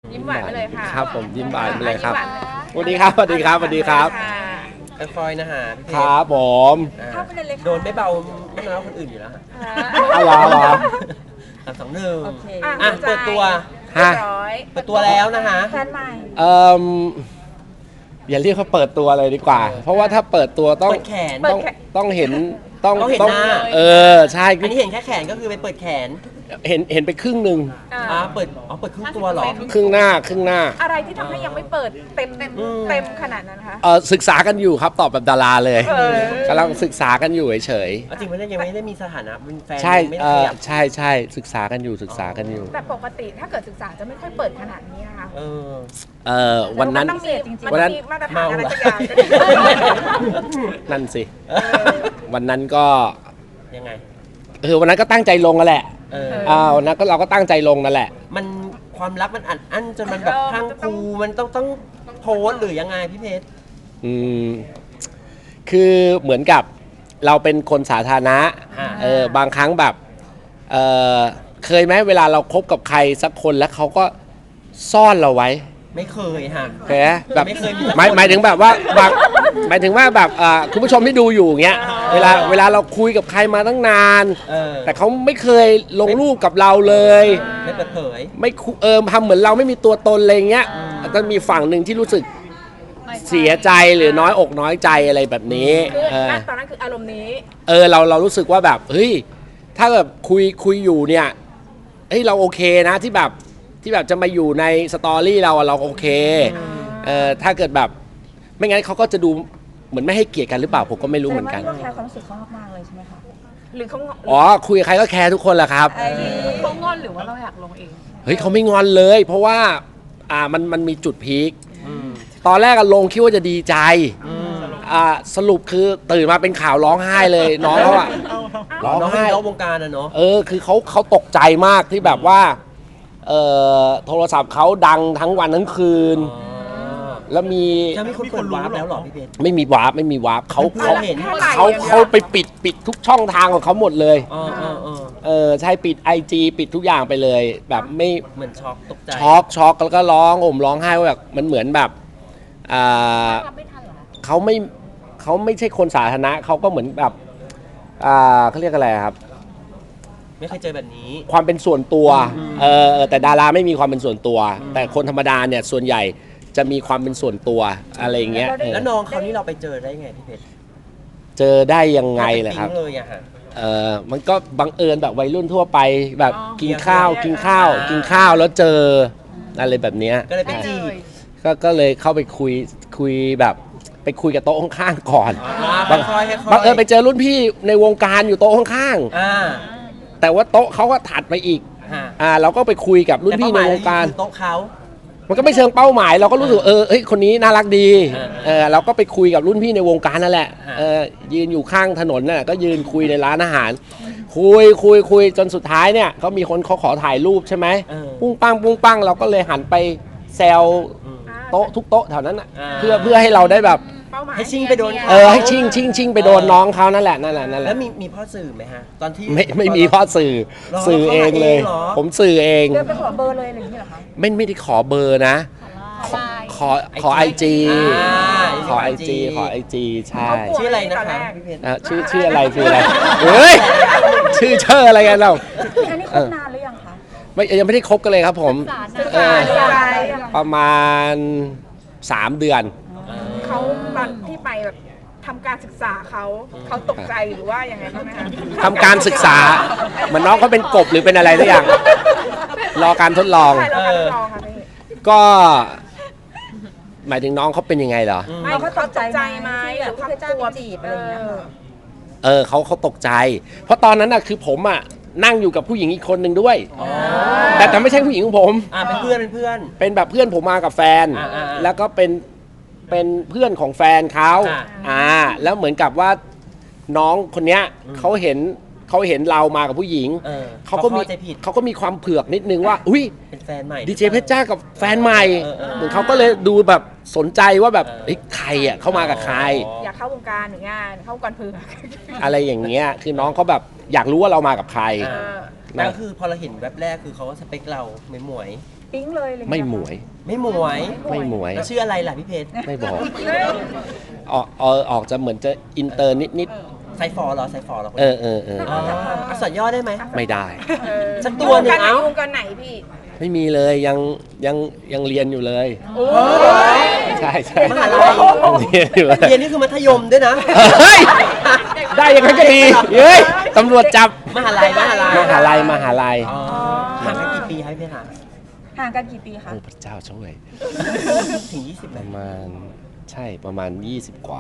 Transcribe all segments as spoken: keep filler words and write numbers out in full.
ยิ้มหวานไปเลยค่ะครับผมยิ้มหวานไปเลยครับยิ้มหวานสวัสดีครับสวัสดีครับสวัสดีครับคอยนะฮะพี่เพคชรรับผมเข้าไปเลยเลยค่ะโดนไม่เบาไม่น้อยคนอื่นอยู่แล้วฮะเอาเหรอเหรอสามสองหนึ่งโอเคอ่ะเปิดตัวเรียบร้อยเปิดตัวแล้วนะฮะแฟนใหม่เอ่ออย่าเรียกเขาเปิดตัวเลยดีกว่า เพราะว่าถ้าเปิดตัวต้องเปิดแขนต้องต้องเห็นต้องต้องเห็นหน้าเออใช่อันนี้เห็นแค่แขนก็คือไปเปิดแขนเห็นเห็นไปครึ่งหนึ่งอ่าเปิดอ๋อเปิดครึ่งตัวเหรอครึ่งหน้าครึ่งหน้าอะไรที่ทำให้ยังไม่เปิดเต็มเต็มอืมเต็มขนาดนั้นคะเออศึกษากันอยู่ครับตอบแบบดาราเลยเออกำลังศึกษากันอยู่เฉยเอาจริงไม่ได้ยังไม่ได้มีสถานะเป็นแฟนๆใช่ไม่เอได้ขอยับใช่ใช่ศึกษากันอยู่ศึกษากันอยู่แต่ปกติถ้าเกิดศึกษาจะไม่ค่อยเปิดขนาดนี้นะคะเออเออวันนั้นมัต้องมีมันวันนั้ต้อน งมีมาตรฐานเมาอะไรเหรอสักอย่างนั่นสิ วันนั้นก็ยังไงเออวันนั้นก็ตั้งใจลงกันแหละเอออ่าวันนั้นก็เราก็ตั้งใจลงนั่นแหละมันความรักมันอัดอั้นจนมันแบบพรังพรูมันต้องต้องโพสต์หรือยังไงพี่เพชรอืมคือเหมือนกับเราเป็นคนสาธารณะอ่าเออบางครั้งแบบเออเคยไหมเวลาเราคบกับใครสักคนแล้วเขาก็ซ่อนเราไว้ไม่เคยฮะเคยไหมแบบไม่เคยมีสักคนหมายหมายถึงแบบว่าบางหมายถึงว่าแบบอ่าคุณผู้ชมที่ดูอยู่อย่างเงี้ยเวลาเวลาเราคุยกับใครมาตั้งนานเออแต่เขาไม่เคยลงรูปกับเราเลยไม่เปิดเผยไม่คุเออทำเหมือนเราไม่มีตัวตนอะไรเงี้ยแล้วก็มีฝั่งหนึ่งที่รู้สึกเสียใจหรือน้อยอกน้อยใจอะไรแบบนี้คือเออณตอนนั้นคืออารมณ์นี้เออเราเรารู้สึกว่าแบบเฮ้ยถ้าแบบคุยคุยอยู่เนี่ยเฮ้ยเราโอเคนะที่แบบที่แบบจะมาอยู่ในสตอรี่เราอะเราโอเคเออถ้าเกิดแบบไม่งั้นเขาก็จะดูเหมือนไม่ให้เกียรติกันหรือเปล่าผมก็ไม่รู้เหมือนกันแสดงว่าพี่ก็แคร์ความรู้สึกเขามากๆเลยใช่ไหมคะหรือเขางอ๋อคุยกับใครก็แคร์ทุกคนแหละครับเขางอนหรือว่าเราอยากลงเองเฮ้ยเขาไม่งอนเลย เพราะว่าอ่ามันมันมีจุดพีคอืมตอนแรกอะลงคิดว่าจะดีใจอืมอ่าสรุปคือตื่นมาเป็นข่าวร้องไห้เลยน้องเขาอะร้องน้องเป็นไห้น้องวงการอะเนาะเออคือเขาเขาตกใจมากที่แบบว่าเอ่อโทรศัพท์เขาดังทั้งวันทั้งคืนอ๋อแล้วมีจะมีคนเปิดวาร์ปแล้วเหรอพี่เพชรไม่มีวาร์ปไม่มีวาร์ปเขาเพื่เขาอนเห็นเขาเขาไปปิดปิดทุกช่องทางของเขาหมดเลยอ๋อเออเออเออใช่ปิด ไอ จี ปิดทุกอย่างไปเลย แบบไม่เหมือนช็อกตกใจช็อกช็อกแล้วก็ร้องโอมร้องไห้ว่าแบบมันเหมือนแบบอ่ารับไม่ทันเหรอคะเขาไม่เขาไม่ใช่คนสาธารณะเขาก็เหมือนแบบอ่าเขาเรียกอะไรครับไม่เคยเจอแบบนี้ความเป็นส่วนตัวอืมเออเออแต่ดาราไม่มีความเป็นส่วนตัวอืมแต่คนธรรมดาเนี่ยส่วนใหญ่จะมีความเป็นส่วนตัวอะไรอย่างเงี้ยแล้วได้เออแล้วน้องเขานี่เราไปเจอได้ไงพี่เพชรเจอได้ยังไงเลยครับปิ๊งเลยอะฮะเออมันก็บังเอิญแบบวัยรุ่นทั่วไปแบบอ๋อกินข้าวเรียกกินข้าวอ่ากินข้าวแล้วเจออะไรแบบเนี้ยก็เลยไปจีบก็ก็เลยเข้าไปคุยคุยแบบไปคุยกับโต๊ะข้างๆก่อนอ่าบังค่อยๆค่อยๆบังเอิญไปเจอรุ่นพี่ในวงการอยู่โต๊ะข้างอ่าๆแต่ว่าโต๊ะเขาก็ถัดไปอีกฮะอ่าเราก็ไปคุยกับรุ่นพี่ในวงการแต่เป้หมยคือโต๊ะเขามันก็ไม่เชิงเป้าหมายเราก็รู้สึกเออเฮ้ยคนนี้น่ารักดีอ่าเออเราก็ไปคุยกับรุ่นพี่ในวงการนั่นแหละอ่าเออยืนอยู่ข้างถนนน่ะก็ยืนคุยในร้านอาหาร คุยคุยคุยจนสุดท้ายเนี่ยเขามีคนเขาขอถ่ายรูปใช่ไหมเออปุ้งปังปุ้งปังเราก็เลยหันไปแซวอืมโต๊ะทุกโต๊ะแถวนั้นน่ะอ่าเพื่อเพื่อให้เราได้แบบเป้าหมายให้ชิงไปโดนเออให้ชิงชิงชิงไปโดนน้องเขานั่นแหละนั่นแหละนั่นแหแล้ละวมีมีพ่อสื่อไหมฮะ ตอนที่ไม่ไม่มีพ่อสื่อหรอสื่อเองเลยเขาหาเองเหรอผมสื่อเองเดินไปขอเบอร์เลยอะไรอย่างนี้เหรอคะไม่ไม่ได้ขอเบอร์นะ ขอขอขอไอจีอ่าขอไอจีขอไอจีใช่ชื่ออะไรนะคะพี่เพชรอ่ะชื่อชื่ออะไรชื่ออะไรเฮ้ยชื่อเชออะไรกันเราอันนี้คบนานหรือยังคะไม่ยังไม่ได้คบกันเลยครับผมศึกเอษาออะไรประมาณสามเดือนเขาตอนที่ไปแบบทำการศึกษาเขาเขาตกใจหรือว่ายังไงบ้างไหมคะทำการศึกษาเหมือนน้องเขาเป็นกบหรือเป็นอะไรสักอย่าง รอการทดลองใช่เราการทดลองค่ะพี่ก็ หมายถึงน้องเขาเป็นยังไงเหรอไม่เราเขาก็ตตกกใจใจไหมไหมหรือที่เขาแบบกลัวจีบอะไรอย่างเงี้ยค่ะเออเขาเขาตกใจ เพราะตอนนั้นน่ะคือผมอ่ะนั่งอยู่กับผู้หญิงอีกคนหนึ่งด้วยอ๋อแต่แต่ไม่ใช่ผู้หญิงของผมอ่าเป็นเพื่อนเป็นเพื่อนเป็นแบบเพื่อนผมมากับแฟนอ่าอ่าอ่าแล้วก็เป็นเป็นเพื่อนของแฟนเขาอ่าอ่า แล้วเหมือนกับว่าน้องคนเนี้ยเขาเห็นเขาเห็นเรามากับผู้หญิงเออเขาก็มีเข้าใจผิดเขาก็มีความเผือกนิดนึงว่า อุ้ยเป็นแฟนใหม่ดีเจเพชรจ้ากับแฟนใหม่เออเออเหมือนเขาก็เลยดูแบบสนใจว่าแบบเออเฮ้ยใครอ่ะเข้ามากับใครอยากเข้าวงการหรืองานเข้าวงการเผือกอะไรอย่างเงี้ยคือน้องเขาแบบอยากรู้ว่าเรามากับใครอ่าเออแล้วคือพอเราเห็นแว็บแรกคือเขาก็สเปคเราเหมยหมวยปิ๊งเลยอะไรอย่างไม่เงี้ยหมวยไม่หมวยไม่หมวยแล้วชื่ออะไรล่ะพี่เพชรไม่บอกออกออกออกจะเหมือนจะอินเตอร์นิดนิดไซฟอร์เหรอไซฟอร์เหรอคนๆเอนี้อเออเอออ๋ออักษรย่อได้ไหมไม่ได้เออสักตัวหนึ่งวงการไหนเอ้าวงการไหนพี่ไม่มีเลยยังยังยังเรียนอยู่เลย ใช่ใช่มหาลัยยังเรียนอยู่เลยเรียนนี่คือมัธยมด้วยนะเฮ้ยได้ยังไงก็ดีเฮ้ยตำรวจจับมหาลัยมหาลัยมหาลัยมหาลัยอ๋อห่างกันกี่ปีคะพี่เพชรคะห่างกันกี่ปีคะโอ้พระเจ้าช่วยถึงยี่สิบไหปมระมาณใช่ประมาณ ยี่สิบ กว่า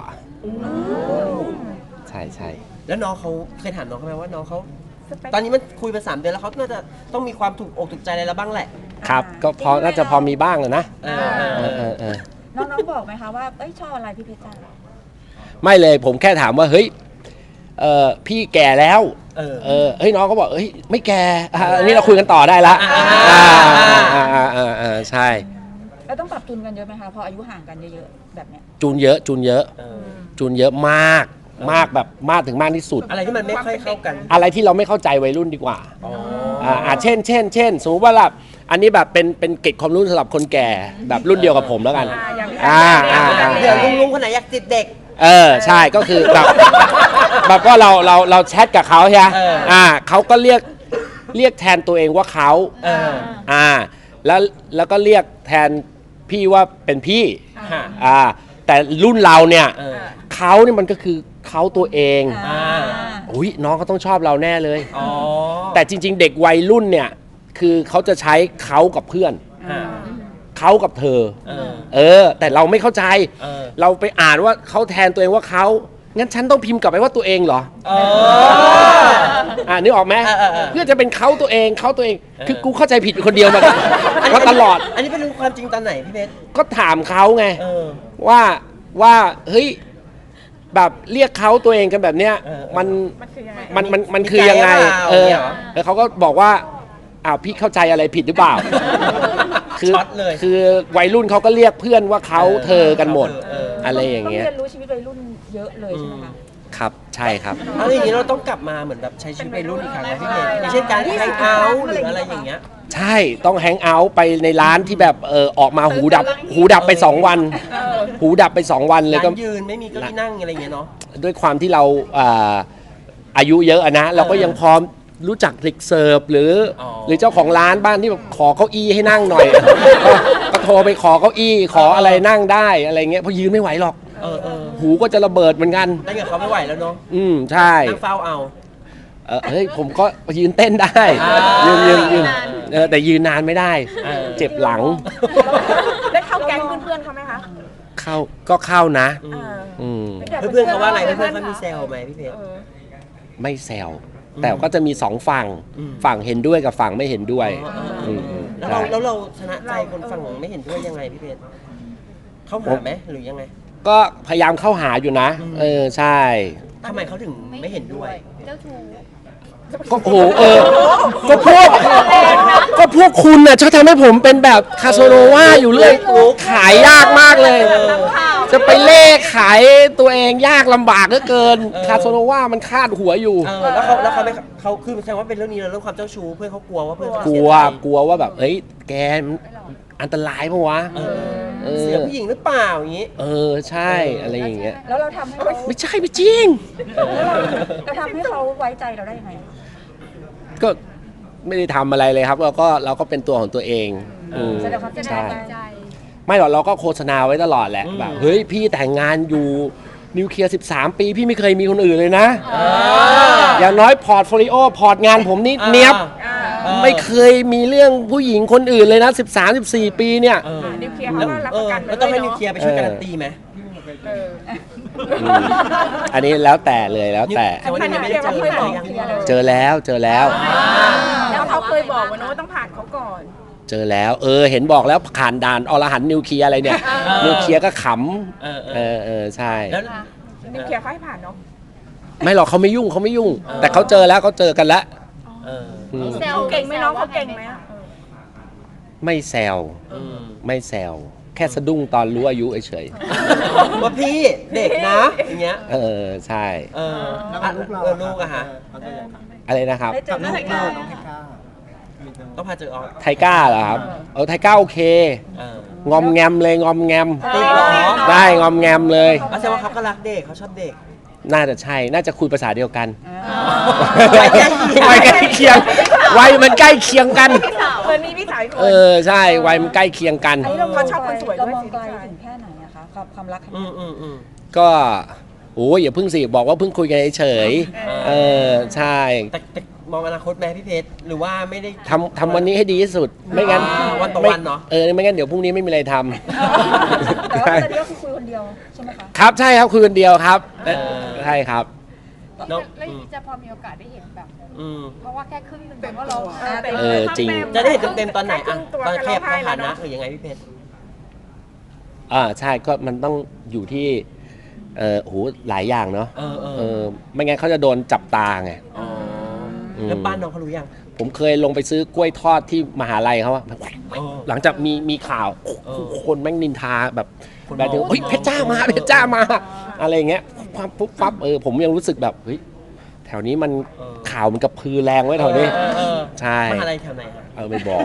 ใช่ใช่แล้วน้องเขาเคยถามน้องเขาไหมว่าน้องเขาสเปคตอนนี้มันคุยไปสามเดือนแล้วเขาน่าจะต้องมีความถูกอกถูกใจอะไรแล้วบ้างแหละครับก็พอน่าจะพอมีบ้างอะนะเออเอเอออเออเออน้องๆบอกไหมคะว่าเอ้ยชอบอะไรพี่เพชรจ้าไม่เลยผมแค่ถามว่าเฮ้ยเออพี่แก่แล้วเออเออเฮ้ยน้องก็บอกเฮ้ยไม่แก่อ่ะอันนี้เราคุยกันต่อได้ละอ่าอ่าอ่าอ่าอ่าใช่แล้วต้องปรับจูนกันเยอะไหมคะพออายุห่างกันเยอะๆแบบเนี้ยจูนเยอะจูนเยอะเออจูนเยอะมากมากแบบมากถึงมากที่สุดอะไรที่มันไม่ค่อยเข้ากันอะไรที่เราไม่เข้าใจวัยรุ่นดีกว่าอ๋ออ่าอ่าเช่นเช่นเช่นสมมติว่าแบบอันนี้แบบเป็นเป็นเกร็ดความรู้สำหรับคนแก่แบบรุ่นเดียวกับผมแล้วกันอ่าอย่างพี่อ่าอ่าอ่าเดี๋ยวลุงลุงคนไหนอยากติดเด็กเออใช่ก็คือแบบแบบว่าเราเราเราแชทกับเขาใช่ไหมเอออ่าเขาก็เรียกเรียกแทนตัวเองว่าเขาเอออ่าแล้วแล้วก็เรียกแทนพี่ว่าเป็นพี่ค่ะอ่าแต่รุ่นเราเนี่ยเออเขาเนี่ยมันก็คือเขาตัวเองอ่าอุ้ยน้องเขาต้องชอบเราแน่เลยอ๋อแต่จริง ๆ เด็กวัยรุ่นเนี่ยคือเขาจะใช้เขากับเพื่อนอ่าเขากับเธอเออเออ แต่เราไม่เข้าใจเออเราไปอ่านว่าเขาแทนตัวเองว่าเขางั้นฉันต้องพิมพ์กลับไปว่าตัวเองเหรอเอออ่านึกออกไหมเออเออเออเพื่อจะเป็นเขาตัวเองเขาตัวเองเออคือกูเข้าใจผิดเป็นคนเดียวมาก็ตลอดอันนี้เป็นรู้ความจริงตอนไหนพี่เพชรก็ถามเขาไงเออว่าว่าเฮ้ยแบบเรียกเขาตัวเองกันแบบเนี้ยเออเออมันมันคือยังไงมันมันมันคือยังไงมีใจหรือเปล่าเออเนี่ยเหรอแล้วเขาก็บอกว่าอ้าวพี่เข้าใจอะไรผิดหรือเปล่า คือช็อตเลยคือวัยรุ่นเขาก็เรียกเพื่อนว่าเขาเออเธอกันหมดเอออะไรอย่างเงี้ยต้องเรียนรู้ชีวิตวัยรุ่นเยอะเลยใช่ไหมคะครับใช่ครับเอาอย่างนี้เราต้องกลับมาเหมือนแบบใช้ชีวิตวัยรุ่นอีกครั้งนะพี่เพชรอย่างเช่นการแฮงเอาท์หรืออะไรอย่างเงี้ยใช่ต้องแฮงเอาท์ไปในร้านที่แบบเออออกมาหูดับ หูดับไปสองวัน หูดับไปสองวันเลยร้าก็นยืนไม่มีเก้าอี้นั่งอะไรอย่างเงี้ยเนาะด้วยความที่เราอ่าอายุเยอะอะนะ เราก็ยังพร้อมรู้จักเด็กเสิร์ฟหรืออ๋อหรือเจ้าของร้านบ้านที่แบบขอเก้าอี้ให้นั่งหน่อย ก็ก็โทรไปขอเก้าอี้ขออะไรนั่งได้อะไรเงี้ยเพราะยืนไม่ไหวหรอกเออเออหูก็จะระเบิดเหมือนกันนั่งกับเขาไม่ไหวแล้วเนาะอืมใช่นั่งเฝ้าเอาเออเฮ้ยผมก็ยืนเต้นได้อ่ายืยืนยืนยืนเออแต่ยืนนานไม่ได้เออเจ็บหลังได้เข้าแก๊งเพื่อนๆเขาไหมคะเข้าก็เข้านะอืเอมออืมเพื่อนๆเขาว่าไงเพื่อนๆเขามีแซวไหมพี่เพชรเออไม่แซวแต่ก็จะมีสองฝั่งอืมฝั่งเห็นด้วยกับฝั่งไม่เห็นด้วยอ๋ออ๋ออืมแล้วเราใช่แล้วเราชนะใจคนฝั่งไม่เห็นด้วยยังไงพี่เพชรเขาหาไหมหรือยังไงก็พยายามเข้าหาอยู่นะอืมเออใช่ทำไมเขาถึงไม่เห็นด้วยเจ้าชู้ก็โอ้โหเออ ก็พวกก็พวกคุณน่ะชอบทำให้ผมเป็นแบบคาโซโนวาอยู่เรื่อยขายยากมากเลย จะไปเล่ขายตัวเองยากลำบากเหลือเกินเออคาโซโนวามันคาดหัวอยู่เออแล้วเขาแล้วเขาไม่เขาคือแสดงว่าเป็นเรื่องนี้แล้วเรื่องความเจ้าชู้เพื่อนเขากลัวว่าเพื่อนเขาจะกลัเสีวยใจกลัวว่าแบบเอ้ยแกมันอันตรายปะวะเออเออเสียผู้หญิงหรือเปล่าอย่างนี้เออใช่อะไรอย่างเงี้ยแล้วเราทำให้เขาไม่ใช่ไม่จริงเราทำให้เขาไว้ใจเราได้ยังไงก็ไม่ได้ทำอะไรเลยครับ เราก็เราก็เป็นตัวของตัวเองอืมแสดงความใช่ใจไม่หรอกเราก็โฆษณาไว้ตลอดแหละอืมแบบเฮ้ยพี่แต่งงานอยู่นิวเคลียร์สิบสามปี พี่ไม่เคยมีคนอื่นเลยนะอ่าอย่างน้อยพอร์ตโฟลิโอพอร์ตงานผมนี่เนี้ยบอ่าเออไม่เคยมีเรื่องผู้หญิงคนอื่นเลยนะ สิบสาม สิบสี่ ปีเนี่ยเออนิวเคลียร์เขาก็รับเอประอกันแล้วต้องให้นิวเคลียร์ไปช่วยเออการันตีไหมเอออืมอันนี้แล้วแต่เลยแล้วแต่แต่ว่ายังไม่ได้เจอเคยบอกยังเจอแล้วเจอแล้วแล้วเขาเคยบอกว่าโน้ตต้องผ่านเขาก่อนเจอแล้วเออเห็นบอกแล้วผ่านด่านอรหันต์นิวเคลียร์อะไรเนี่ยเออนิวเคลียร์ก็ขเออำเอเอออเออใช่แล้วนิวเคลียร์เขาให้ผ่านเนาะไม่หรอกเขาไม่ยุ่งเขาไม่ยุ่งเออแต่เขาเจอแล้วเขาเจอกันแล้วเอออืมเขาเก่งไหมน้องเขาเก่งไหมอะเออไม่แซวอืมไม่แซวแค่สะดุ้งตอนรู้อายุเฉยว่าพี่เด็กนะอย่างเงี้ยๆเออใช่เอออ่ะเออลูกอะฮะอะไรนะครับได้เจอกับลูกไหมเราคะอต้องพาเจอออสไทก้าเหรอครับเออไทก้าโอเคเอองอมแงมเลยงอมแงมติดเหรอได้งอมแงมเลยเอาแสดงว่าเขาก็รักเด็กเขาชอบเด็กน่าจะใช่น่าจะคุยภาษาเดียวกันวัยใกล้เคียงวัยใกล้เคียงวัยมันใกล้เคียงกันเหมือนมีพี่สาวอีกคเอน อใช่วัยมันใกล้เคียงกันอันนี้เราเขาชอบคนสวยด้วยเรามองสิไกลถึงแค่ไหนอะคะความความรักครั้งอืนี้มอืมอืมก็โอ้ยอย่าเพิ่งสิบอกว่าเพิ่งคุยกันเฉยๆเออใช่แต่แต่มองอนาคตไหมพี่เพชรหรือว่าไม่ได้ทำทำวันนี้ให้ดีที่สุดไม่งั้นอ่าวันต่อไม่วันเนอะเออไม่งั้นเดี๋ยวพรุ่งนี้ไม่มีอะไรทำแต่ว่าตอนนี้ก็คือคุยคนเดียวใช่ไหมคะครับใช่ครับคุยคนเดียวครับเอ่อใช่ครับน้องแล้วอย่างนี้จะพอมีโอกาสได้เห็นแบบอืมเพราะว่าแค่ครึ่งหนึ่งแต่ว่าเราเออจริงจะได้เห็นเต็มๆตอนไหนครึ่อ่ะงตัวตอนกันแคร้องบไห้สแล้ถาว นะเนาะหรือยังไงพี่เพชรอ่าใช่ก็มันต้องอยู่ที่เออโหหลายอย่างเนาะเออเอเอออไม่งั้นเขาจะโดนจับตาไงอ๋อมแล้วบ้านน้องเขารู้ยังผมเคยลงไปซื้อกล้วยทอดที่มหาลัยเขาอะเออหลังจากมีมีข่าวเออคนแม่งนินทาแบบคนแบบถึงมองเฮ้ยเพชรจ้ามาเพชรจ้ามา อะไรอย่างเงี้ยปั๊บปุ๊บปั๊บเออผมยังรู้สึกแบบเฮ้ยแถวนี้มันเออข่าวมันกระพือแรงไว้แถวนี้เออเออใช่มหาลัยแถวไหนฮะเออไม่บอก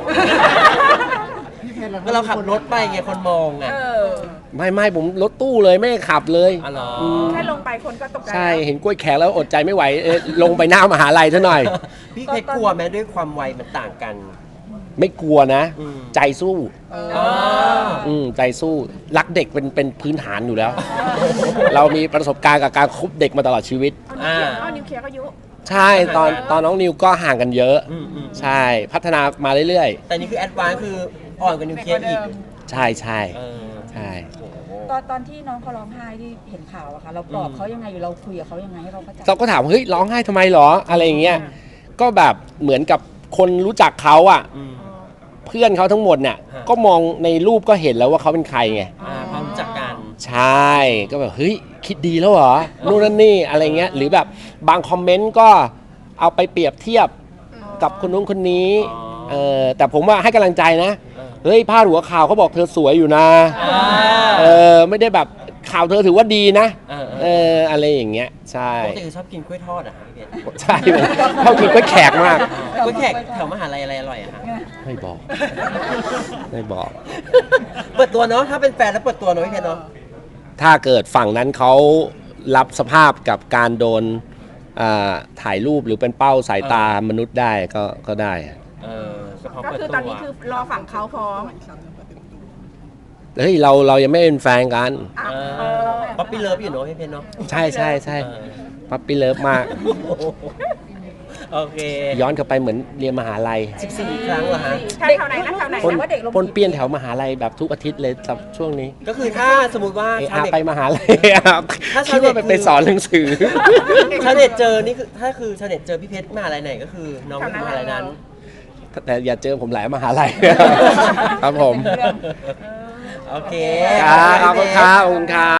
ก็เราขับรถไปไงคนมองไงเออไม่ไม่ผมรถตู้เลยไม่ได้ขับเลยอ๋อเหรอแค่ลงไปคนก็ตกใจใช่เห็นกล้วยแขกแล้วอดใจไม่ไหวเออลงไปหน้ามหาลัยซะหน่อยพี่เพชรกลัวไหมด้วยความวัยมันต่างกันไม่กลัวนะอืมใจสู้อ๋ออืมใจสู้รักเด็กเป็นเป็นพื้นฐานอยู่แล้ว เรามีประสบการณ์กับการคบเด็กมาตลอดชีวิตอ่าเอานิวเคลียร์ก็อายุใช่ตอนตอนน้องนิวก็ห่างกันเยอะอืมอืมใช่พัฒนามาเรื่อยแต่นี่คือแอดวานซ์คืออ่อนกว่านิวเคลียร์อีกๆ ใช่ใช่เออใช่ตอนตอนที่น้องเขาร้องไห้ที่เห็นข่าวอะค่ะเราปลอบเขายังไงหรือเราคุยกับเขายังไงให้เขาเข้าใจเราก็ถามเฮ้ยร้องไห้ทำไมหรออะไรอย่างเงี้ยก็แบบเหมือนกับคนรู้จักเขาอ่ะอืมเพื่อนเขาทั้งหมดเนี่ยฮะก็มองในรูปก็เห็นแล้วว่าเขาเป็นใครไงอ่าความรู้จักกันใช่ก็แบบเฮ้ยคิดดีแล้วเหรอนู่นนั่นนี่อะไรเงี้ยหรือแบบบางคอมเมนต์ก็เอาไปเปรียบเทียบกับคนนู้นคนนี้อ๋อเออแต่ผมว่าให้กำลังใจนะเออเฮ้ยพาดหัวข่าวเขาบอกเธอสวยอยู่นะอ่าเออไม่ได้แบบข่าวเธอถือว่าดีนะเออเอออะไรอย่างเงี้ยใช่ปกติคือชอบกินกล้วยทอดอ่ะพี่เพชรใช่ผมเข้ากินกล้วยแขกมากกล้วยแขกแถวมหาลัยอะไรอร่อยอะฮะไม่บอก ไม่บอกเปิดตัวเนาะถ้าเป็นแฟนแล้วเปิดตัวเนาะพี่เพชรเนาะถ้าเกิดฝั่งนั้นเขารับสภาพกับการโดนอ่าถ่ายรูปหรือเป็นเป้าสายตามนุษย์ได้ก็ก็ได้เออก็พอก็เปิดคือตัวตอนนี้คือรอฝั่งเขาพร้อมเฮ้ยเราเรายังไม่เป็นแฟนกันอ่ะเอเอออป๊อปปี้เลิฟอยู่เนาะพี่เพชรเนาะใช่ใช่ใช่เออปั๊ปปี้เลิฟมากโอเคย้อนกลับไปเหมือนเรียนมหาลัยสิบสี่ครั้งเหรอฮะแถวไหนนะแถวไหนปนนะว่าเด็กลงปนเปี้ยนแถวมหาลัยแบบทุกอาทิตย์เลยสับช่วงนี้ก็คือถ้าสมมติว่าเอชาวอาเน็ตไปมหาลัยครับถ้าคิชาดวเน็ตว่าไปไปสอนหนังสือชาวเน็ตเจอนี่คือถ้าคือชาวเน็ตเจอพี่เพชรมหาลัยไหนก็คือน้องอยู่มหาลัยนั้นแต่อย่าเจอผมหลายมหาลัย ครับผมโอเคครับขอบคุณครับขอบคุณครับ